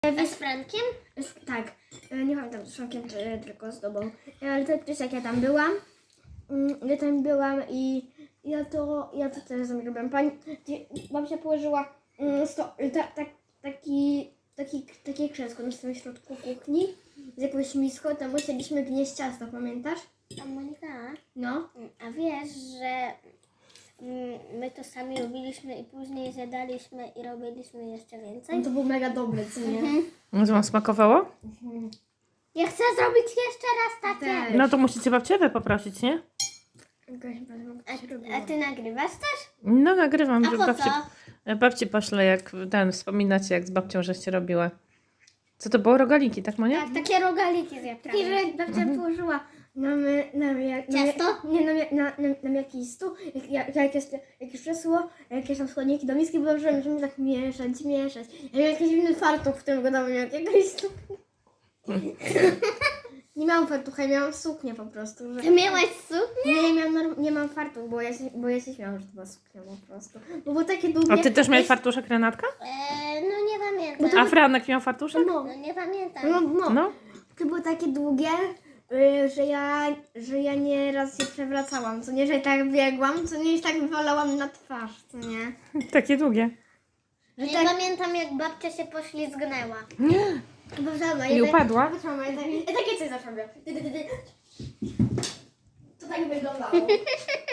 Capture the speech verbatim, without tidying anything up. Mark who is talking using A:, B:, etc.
A: A z Frankiem?
B: Tak, nie pamiętam z Frankiem, czy tylko z tobą. Ale to też jak ja tam byłam, ja tam byłam i ja to, ja to też zrobiłam. Pani, babcia położyła sto, ta, ta, taki, taki, takie krzesło na samym środku kuchni z jakąś miską, tam musieliśmy gnieść ciasto, pamiętasz?
A: A Monika,
B: No.
A: a wiesz, że my to sami robiliśmy i później zjadaliśmy i robiliśmy jeszcze więcej?
B: No to był mega dobry, co nie?
C: No to wam smakowało?
A: Ja chcę zrobić jeszcze raz takie.
B: Tak.
C: No to musicie babciewę poprosić, nie?
A: A, a ty nagrywasz też?
C: No nagrywam,
A: A
C: że
A: po
C: babci,
A: co?
C: babci poszle, jak ten, wspominacie, jak z babcią żeście robiły. Co to było? Rogaliki, tak Monia?
A: Tak, takie rogaliki z
B: Taki, że babcia położyła nam, nam, jak, nam,
A: Ciasto?
B: nie, nam, na, na, nam jakiś stół, jak, jak, jakieś, jakieś krzesło, jakieś tam składniki do miski, bo że możemy tak mieszać, mieszać. Ja miałam jakiś inny fartuch, w którym go dałem jakiegoś stół. Nie miałam fartucha, miałam suknię po prostu. Że...
A: Ty miałaś suknię?
B: Nie, nie, miałam, norm- nie mam fartuch, bo ja, się, bo ja się śmiałam, że to była suknia po prostu. Bo było takie długie.
C: A ty też miałeś fartuszek, Renatka?
A: E, no nie pamiętam.
C: A Franek miał fartuszek?
B: No,
A: No nie pamiętam.
B: no, no.
C: No.
B: To były takie długie, y, że ja, że ja nieraz się przewracałam, co nie, że tak biegłam, co nie, że tak wywalałam na twarz, co nie.
C: Takie długie.
B: Że
A: Nie
B: tak,
A: pamiętam, jak babcia się poślizgnęła.
B: bo mama,
C: I
B: ja
C: upadła?
B: Tak, mama, ja, tak, ja takie coś zawsze robię. Ty, ty, ty, ty. To tak wyglądało.